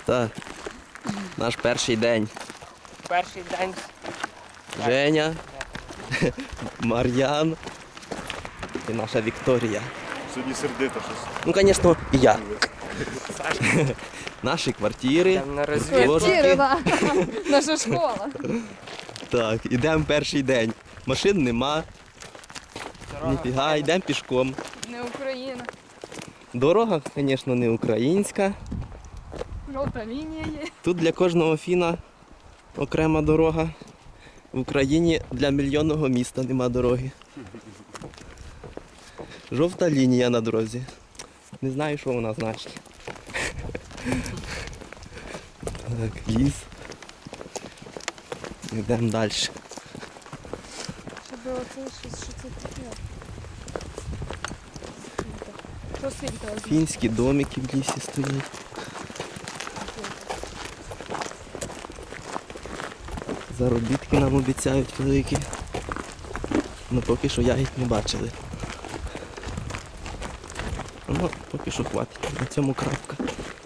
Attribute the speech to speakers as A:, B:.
A: Так. Наш перший день.
B: Перший день.
A: Женя, Мар'ян і наша Вікторія.
C: Сьогодні сердито щось.
A: Ну, звісно, і я.
B: Сашка.
A: Наші квартири.
B: Йдемо на розвідку.
A: Ложки.
D: Да. Наша школа.
A: Так, ідемо перший день. Машин нема,
B: Дорога
A: ніфіга,
B: файна.
A: йдемо пішком.
D: Не Україна.
A: Дорога, звісно, не українська.
D: Жовта лінія є.
A: Тут для кожного фіна окрема дорога. В Україні для мільйонного міста нема дороги. Жовта лінія на дорозі. Не знаю, що вона значить. Так, ліс. Йдемо далі.
D: Щоб оце щось, що це таке. Що світло?
A: Фінські домики в лісі стоять. Заробітки нам обіцяють великі. Ну поки що ягід не бачили. Ну, поки що хватить. На цьому крапка.